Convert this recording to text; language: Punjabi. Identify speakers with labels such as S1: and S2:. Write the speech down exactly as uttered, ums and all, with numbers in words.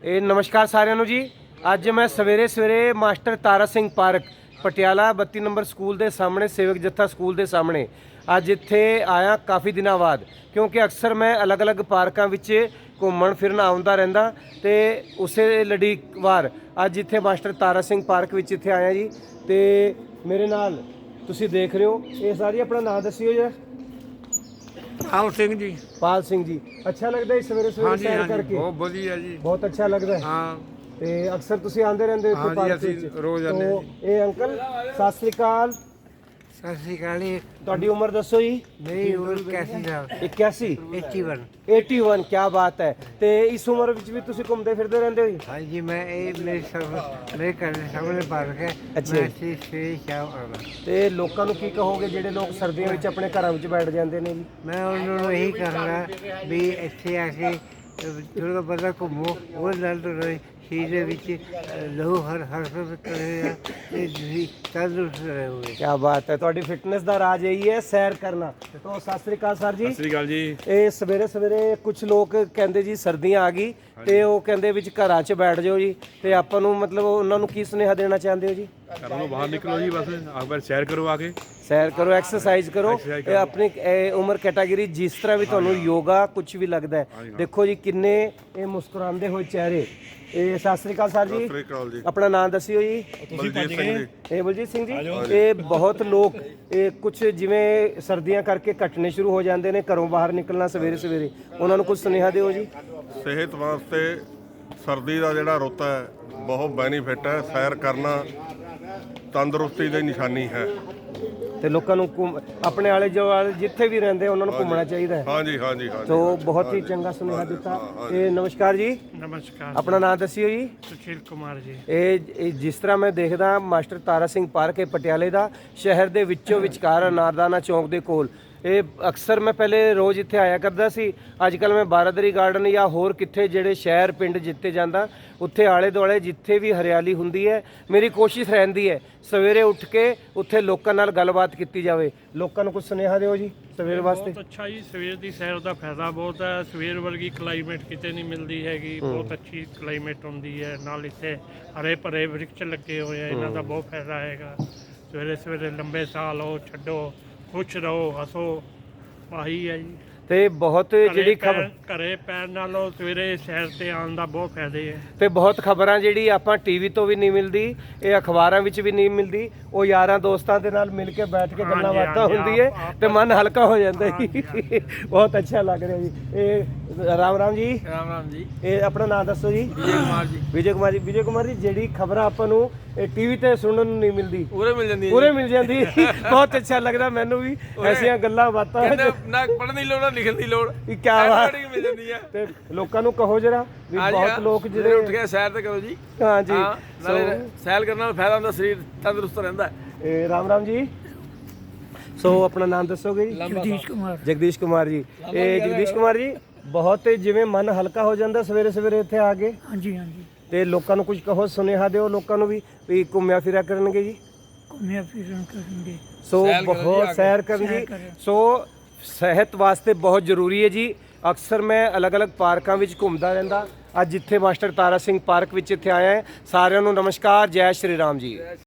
S1: ਇਹ ਨਮਸਕਾਰ ਸਾਰਿਆਂ ਨੂੰ ਜੀ। ਅੱਜ ਮੈਂ ਸਵੇਰੇ ਸਵੇਰੇ ਮਾਸਟਰ ਤਾਰਾ ਸਿੰਘ ਪਾਰਕ ਪਟਿਆਲਾ ਬੱਤੀ ਨੰਬਰ ਸਕੂਲ ਦੇ ਸਾਹਮਣੇ, ਸੇਵਕ ਜੱਥਾ ਸਕੂਲ ਦੇ ਸਾਹਮਣੇ ਅੱਜ ਇੱਥੇ ਆਇਆ ਕਾਫੀ ਦਿਨਾਂ ਬਾਅਦ, ਕਿਉਂਕਿ ਅਕਸਰ ਮੈਂ ਅਲੱਗ-ਅਲੱਗ ਪਾਰਕਾਂ ਵਿੱਚ ਘੁੰਮਣ ਫਿਰਨ ਆਉਂਦਾ ਰਹਿੰਦਾ ਤੇ ਉਸੇ ਲੜੀ ਵਾਰ ਅੱਜ ਇੱਥੇ ਮਾਸਟਰ ਤਾਰਾ ਸਿੰਘ ਪਾਰਕ ਵਿੱਚ ਇੱਥੇ ਆਇਆ ਜੀ। ਤੇ ਮੇਰੇ ਨਾਲ ਤੁਸੀਂ ਦੇਖ ਰਹੇ ਹੋ ਇਹ ਸਾਰੀ, ਆਪਣਾ ਨਾਮ ਦੱਸਿਓ ਜੀ।
S2: ਪਾਲ ਸਿੰਘ ਜੀ।
S1: ਪਾਲ ਸਿੰਘ ਜੀ, ਅੱਛਾ ਲੱਗਦਾ ਹੈ ਸਵੇਰੇ ਸਵੇਰੇ ਸੈਰ ਕਰਕੇ?
S2: ਬਹੁਤ ਵਧੀਆ ਜੀ,
S1: ਬਹੁਤ ਅੱਛਾ ਲੱਗਦਾ ਹੈ।
S2: ਹਾਂ,
S1: ਤੇ ਅਕਸਰ ਤੁਸੀਂ ਆਉਂਦੇ ਰਹਿੰਦੇ ਹੋ ਇੱਥੇ ਪਾਰਕ ਵਿੱਚ?
S2: ਰੋਜ਼ ਆਉਂਦੇ ਹਾਂ
S1: ਜੀ। ਇਹ ਅੰਕਲ ਸਤਿ ਸ੍ਰੀ ਅਕਾਲ।
S2: ਸਤਿ ਸ਼੍ਰੀ ਅਕਾਲ ਜੀ।
S1: ਤੁਹਾਡੀ ਉਮਰ ਦੱਸੋ ਜੀ?
S2: ਮੇਰੀ ਉਮਰ ਇक्यासी ਸਾਲ।
S1: इक्यासी
S2: इक्यासी
S1: इक्यासी, क्या बात है। ਤੇ ਇਸ ਉਮਰ ਵਿੱਚ ਵੀ ਤੁਸੀਂ ਘੁੰਮਦੇ ਫਿਰਦੇ ਰਹਿੰਦੇ ਹੋ ਜੀ?
S2: हाँ जी, मैं ये मेरे सब मेरे घर के सामने पार्क है।
S1: अच्छा।
S2: मैं इसे सवेरे शाम आना।
S1: ਤੇ ਲੋਕਾਂ ਨੂੰ ਕੀ ਕਹੋਗੇ ਜਿਹੜੇ ਲੋਕ ਸਰਦੀਆਂ ਵਿੱਚ ਆਪਣੇ ਘਰਾਂ ਵਿੱਚ ਬੈਠ ਜਾਂਦੇ ਨੇ ਜੀ?
S2: मैं उन्होंने यही कहूँगा भी ਇੱਥੇ ਆ ਕੇ ਥੋੜਾ ਬਹੁਤਾ ਘੁੰਮੋ, ਉਹ ਨਾਲ ਤੁਹਾਡੇ ਸਰੀਰ ਦੇ ਵਿੱਚ ਲਹੂ ਹਰ ਹਰਕਤ ਕਰੇਗਾ ਤੇ ਤੁਸੀਂ ਤੰਦਰੁਸਤ ਰਹੋਗੇ।
S1: ਕੀ ਬਾਤ ਹੈ। ਤੁਹਾਡੀ ਫਿਟਨੈਸ ਦਾ ਰਾਜ ਇਹੀ ਹੈ, ਸੈਰ ਕਰਨਾ। ਤੋਂ ਸਤਿ ਸ੍ਰੀ ਅਕਾਲ ਸਰ ਜੀ।
S3: ਸਤਿ ਸ੍ਰੀ ਅਕਾਲ ਜੀ।
S1: ਇਹ ਸਵੇਰੇ ਸਵੇਰੇ ਕੁਝ ਲੋਕ ਕਹਿੰਦੇ ਜੀ ਸਰਦੀਆਂ ਆ ਗਈ ਤੇ ਉਹ ਕਹਿੰਦੇ ਵਿੱਚ ਘਰਾਂ 'ਚ ਬੈਠ ਜਾਓ ਜੀ, ਤੇ ਆਪਾਂ ਨੂੰ ਮਤਲਬ ਉਹਨਾਂ ਨੂੰ ਕੀ ਸੁਨੇਹਾ ਦੇਣਾ ਚਾਹੁੰਦੇ ਹੋ ਜੀ?
S3: ਘਰੋਂ ਤੋਂ ਬਾਹਰ ਨਿਕਲੋ ਜੀ, ਬਸ ਇੱਕ ਵਾਰ ਸੈਰ ਕਰੋ ਆ ਕੇ।
S1: ਸੈਰ ਕਰੋ, ਐਕਸਰਸਾਈਜ਼ ਕਰੋ। ਇਹ ਆਪਣੀ ਇਹ ਉਮਰ ਕੈਟਾਗਰੀ ਜਿਸ ਤਰ੍ਹਾਂ ਵੀ ਤੁਹਾਨੂੰ ਯੋਗਾ ਕੁਝ ਵੀ ਲੱਗਦਾ ਹੈ, ਦੇਖੋ ਜੀ ਕਿੰਨੇ ਇਹ ਮੁਸਕਰਾਉਂਦੇ ਹੋਏ ਚਿਹਰੇ। ਇਹ ਸਤਿ ਸ੍ਰੀ ਅਕਾਲ ਸਰ ਜੀ। ਆਪਣਾ ਨਾਮ ਦੱਸਿਓ ਜੀ।
S3: ਬਲਜੀਤ ਸਿੰਘ ਜੀ।
S1: ਇਹ ਬਲਜੀਤ ਸਿੰਘ ਜੀ। ਇਹ ਬਹੁਤ ਲੋਕ ਇਹ ਕੁਝ ਜਿਵੇਂ ਸਰਦੀਆਂ ਕਰਕੇ ਘਟਨੇ ਸ਼ੁਰੂ ਹੋ ਜਾਂਦੇ ਨੇ, ਘਰੋਂ ਬਾਹਰ ਨਿਕਲਣਾ ਸਵੇਰੇ ਸਵੇਰੇ, ਉਹਨਾਂ ਨੂੰ ਕੁਝ ਸੁਨੇਹਾ ਦਿਓ ਜੀ।
S4: ਸਿਹਤ ਵਾਸਤੇ ਸਰਦੀ ਦਾ ਜਿਹੜਾ ਰੁੱਤ ਹੈ ਬਹੁਤ ਬੈਨੀਫਿਟ ਹੈ। ਸੈਰ ਕਰਨਾ ਤੰਦਰੁਸਤੀ ਦੀ ਨਿਸ਼ਾਨੀ ਹੈ
S1: ਤੇ ਲੋਕਾਂ ਨੂੰ ਘੁੰਮ- ਆਪਣੇ ਆਲੇ ਦੁਆਲੇ ਜਿੱਥੇ ਵੀ ਰਹਿੰਦੇ ਉਹਨਾਂ ਨੂੰ ਘੁੰਮਣਾ ਚਾਹੀਦਾ ਹੈ।
S4: ਹਾਂਜੀ ਹਾਂਜੀ ਹਾਂਜੀ।
S1: ਤੋ ਬਹੁਤ ਹੀ ਚੰਗਾ ਸੁਨੇਹਾ ਦਿੱਤਾ। ਇਹ ਨਮਸਕਾਰ ਜੀ।
S2: ਨਮਸਕਾਰ।
S1: ਆਪਣਾ ਨਾਮ ਦੱਸਿਓ ਜੀ।
S2: ਸੁਸ਼ੀਲ ਕੁਮਾਰ ਜੀ।
S1: ਇਹ ਇਹ ਜਿਸ ਤਰ੍ਹਾਂ ਮੈਂ ਦੇਖਦਾ ਮਾਸਟਰ ਤਾਰਾ ਸਿੰਘ ਪਾਰਕ ਹੈ ਪਟਿਆਲੇ ਦਾ, ਸ਼ਹਿਰ ਦੇ ਵਿੱਚੋਂ ਵਿਚਕਾਰ ਅਨਾਰਦਾਨਾ ਚੌਂਕ ਦੇ ਕੋਲ। ਇਹ ਅਕਸਰ ਮੈਂ ਪਹਿਲੇ ਰੋਜ਼ ਇੱਥੇ ਆਇਆ ਕਰਦਾ ਸੀ। ਅੱਜ ਕੱਲ੍ਹ ਮੈਂ ਬਾਰਾਦਰੀ ਗਾਰਡਨ ਜਾਂ ਹੋਰ ਕਿੱਥੇ ਜਿਹੜੇ ਸ਼ਹਿਰ ਪਿੰਡ ਜਿੱਥੇ ਜਾਂਦਾ, ਉੱਥੇ ਆਲੇ ਦੁਆਲੇ ਜਿੱਥੇ ਵੀ ਹਰਿਆਲੀ ਹੁੰਦੀ ਹੈ, ਮੇਰੀ ਕੋਸ਼ਿਸ਼ ਰਹਿੰਦੀ ਹੈ ਸਵੇਰੇ ਉੱਠ ਕੇ ਉੱਥੇ ਲੋਕਾਂ ਨਾਲ ਗੱਲਬਾਤ ਕੀਤੀ ਜਾਵੇ। ਲੋਕਾਂ ਨੂੰ ਕੁਝ ਸੁਨੇਹਾ ਦਿਓ ਜੀ ਸਵੇਰ ਵਾਸਤੇ।
S5: ਬਹੁਤ ਅੱਛਾ ਜੀ, ਸਵੇਰ ਦੀ ਸੈਰ ਦਾ ਫਾਇਦਾ ਬਹੁਤ ਹੈ। ਸਵੇਰ ਵਰਗੀ ਕਲਾਈਮੇਟ ਕਿਤੇ ਨਹੀਂ ਮਿਲਦੀ ਹੈਗੀ, ਬਹੁਤ ਅੱਛੀ ਕਲਾਈਮੇਟ ਹੁੰਦੀ ਹੈ। ਨਾਲ ਇੱਥੇ ਹਰੇ ਭਰੇ ਵ੍ਰਿਕਸ਼ ਲੱਗੇ ਹੋਏ ਆ, ਇਹਨਾਂ ਦਾ ਬਹੁਤ ਫਾਇਦਾ ਹੈਗਾ। ਸਵੇਰੇ ਸਵੇਰੇ ਲੰਬੇ ਸਾਹ ਲਓ, ਛੱਡੋ, ਖੁਸ਼ ਰਹੋ, ਹੱਸੋ, ਆਹੀ ਹੈ ਜੀ।
S1: ਤੇ ਬਹੁਤ ਜਿਹੜੀ ਖਬਰ
S5: ਘਰੇ ਪੈਣ ਨਾਲੋਂ ਸਵੇਰੇ ਸੈਰ ਤੇ ਆਉਣ ਦਾ ਬਹੁਤ ਫਾਇਦੇ ਹੈ।
S1: ਤੇ ਬਹੁਤ ਖਬਰਾਂ ਜਿਹੜੀ ਆਪਾਂ ਟੀਵੀ ਤੋਂ ਵੀ ਨਹੀਂ ਮਿਲਦੀ, ਇਹ ਅਖਬਾਰਾਂ ਵਿੱਚ ਵੀ ਨਹੀਂ ਮਿਲਦੀ, ਉਹ ਯਾਰਾਂ ਦੋਸਤਾਂ ਦੇ ਨਾਲ ਮਿਲ ਕੇ ਬੈਠ ਕੇ ਗੱਲਾਂ ਬਾਤਾਂ ਹੁੰਦੀ ਹੈ ਤੇ ਮਨ ਹਲਕਾ ਹੋ ਜਾਂਦਾ ਜੀ। ਬਹੁਤ ਅੱਛਾ ਲੱਗ ਰਿਹਾ ਜੀ। ਇਹ ਰਾਮ ਰਾਮ ਜੀ।
S2: ਰਾਮ ਰਾਮ ਜੀ।
S1: ਇਹ ਆਪਣਾ ਨਾਮ ਦੱਸੋ ਜੀ।
S2: ਵਿਜੇ ਕੁਮਾਰ ਜੀ।
S1: ਵਿਜੇ ਕੁਮਾਰ ਜੀ। ਵਿਜੇ ਕੁਮਾਰ ਜੀ, ਜਿਹੜੀ ਖਬਰਾਂ ਆਪਾਂ ਨੂੰ ਇਹ ਟੀਵੀ ਤੇ ਸੁਣਨ ਨੂੰ ਨਹੀਂ ਮਿਲਦੀ,
S2: ਪੂਰੇ ਮਿਲ ਜਾਂਦੀ
S1: ਪੂਰੇ ਮਿਲ ਜਾਂਦੀ। ਬਹੁਤ ਅੱਛਾ ਲੱਗਦਾ ਮੈਨੂੰ ਵੀ ਐਸੀਆਂ ਗੱਲਾਂ ਬਾਤਾਂ।
S2: ਨਾ ਪੜਨ ਦੀ ਲੋੜ, ਲਿਖਣ ਦੀ ਲੋੜ,
S1: ਕੀ ਬਾਤ
S2: ਮਿਲ ਜਾਂਦੀ ਹੈ।
S1: ਤੇ ਲੋਕਾਂ ਨੂੰ ਕਹੋ ਜਰਾ ਵੀ ਬਹੁਤ ਲੋਕ ਜਿਹੜੇ
S2: ਉੱਠ ਕੇ ਸੈਰ ਤੇ ਕਰੋ ਜੀ।
S1: ਹਾਂ ਜੀ,
S2: ਨਾਲੇ ਸੈਰ ਕਰਨ ਨਾਲ ਫਾਇਦਾ ਹੁੰਦਾ, ਸਰੀਰ ਤੰਦਰੁਸਤ ਰਹਿੰਦਾ ਹੈ।
S1: ਇਹ ਰਾਮ ਰਾਮ ਜੀ। ਸੋ ਆਪਣਾ ਨਾਮ ਦੱਸੋਗੇ ਜੀ?
S2: ਜਗਦੀਸ਼ ਕੁਮਾਰ।
S1: ਜਗਦੀਸ਼ ਕੁਮਾਰ ਜੀ। ਇਹ ਜਗਦੀਸ਼ ਕੁਮਾਰ ਜੀ, ਬਹੁਤ ਜਿਵੇਂ ਮਨ ਹਲਕਾ ਹੋ ਜਾਂਦਾ ਸਵੇਰੇ ਸਵੇਰੇ ਇੱਥੇ ਆ ਕੇ।
S6: ਹਾਂਜੀ ਹਾਂਜੀ,
S1: ਤੇ ਲੋਕਾਂ ਨੂੰ ਕੁਝ ਕਹੋ, ਸੁਨੇਹਾ ਦਿਓ ਲੋਕਾਂ ਨੂੰ ਵੀ ਵੀ ਘੁੰਮਿਆ ਫਿਰਿਆ ਕਰਨਗੇ ਜੀ।
S6: ਘੁੰਮਿਆ ਫਿਰਨ ਕਰਨਗੇ।
S1: ਸੋ ਬਹੁਤ ਸੈਰ ਕਰਨ ਜੀ। ਸੋ ਸਿਹਤ ਵਾਸਤੇ ਬਹੁਤ ਜ਼ਰੂਰੀ ਹੈ ਜੀ। ਅਕਸਰ ਮੈਂ ਅਲੱਗ-ਅਲੱਗ ਪਾਰਕਾਂ ਵਿੱਚ ਘੁੰਮਦਾ ਰਹਿੰਦਾ। ਅੱਜ ਇੱਥੇ ਮਾਸਟਰ ਤਾਰਾ ਸਿੰਘ ਪਾਰਕ ਵਿੱਚ ਇੱਥੇ ਆਇਆ ਹੈ। ਸਾਰਿਆਂ ਨੂੰ ਨਮਸਕਾਰ, ਜੈ ਸ਼੍ਰੀ ਰਾਮ ਜੀ।